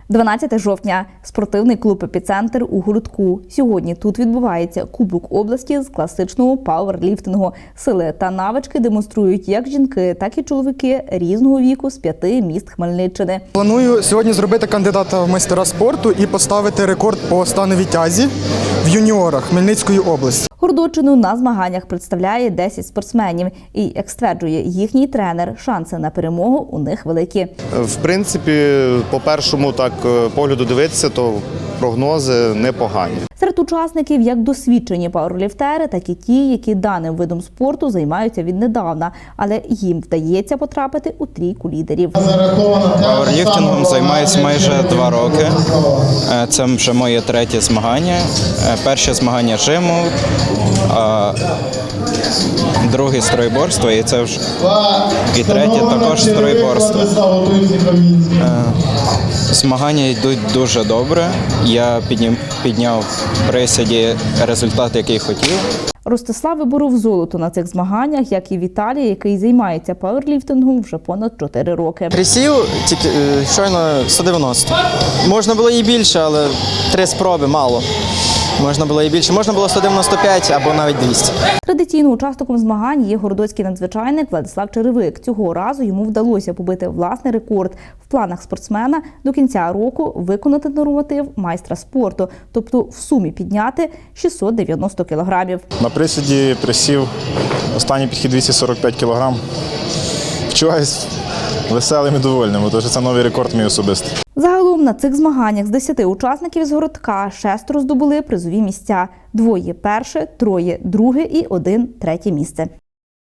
12 жовтня. Спортивний клуб «Епіцентр» у Городку. Сьогодні тут відбувається Кубок області з класичного пауерліфтингу. Сили та навички демонструють як жінки, так і чоловіки різного віку з 5 міст Хмельниччини. Планую сьогодні зробити кандидата в майстера спорту і поставити рекорд по становій тязі в юніорах Хмельницької області. Городоччину на змаганнях представляє 10 спортсменів. І, як стверджує їхній тренер, шанси на перемогу у них великі. В принципі, по першому погляду дивитися, то прогнози непогані. Серед учасників як досвідчені пауерліфтери, так і ті, які даним видом спорту займаються віднедавна, але їм вдається потрапити у трійку лідерів. Пауерліфтингом займаюся майже 2 роки. Це вже моє 3-є змагання. Перше змагання жиму, а друге стройборство, і це вже і третє також стройборство. Змагання йдуть дуже добре. Я підняв в присіді результат, який хотів. Ростислав виборов золото на цих змаганнях, як і Віталій, який займається пауерліфтингом вже понад 4 роки. Присів тільки щойно 190. Можна було і більше, але 3 спроби мало. Можна було і більше. Можна було 195 або навіть 200. Традиційно учасником змагань є городоцький надзвичайник Владислав Черевик. Цього разу йому вдалося побити власний рекорд. В планах спортсмена до кінця року виконати норматив майстра спорту, тобто в сумі підняти 690 кілограмів. На присіді присів останній підхід 245 кілограм. Вчуваюсь веселим і довольним, тому що це новий рекорд мій особистий. Загалом на цих змаганнях з 10 учасників з Городка 6 здобули призові місця. 2 – перше, 3 – друге і 1 – третє місце.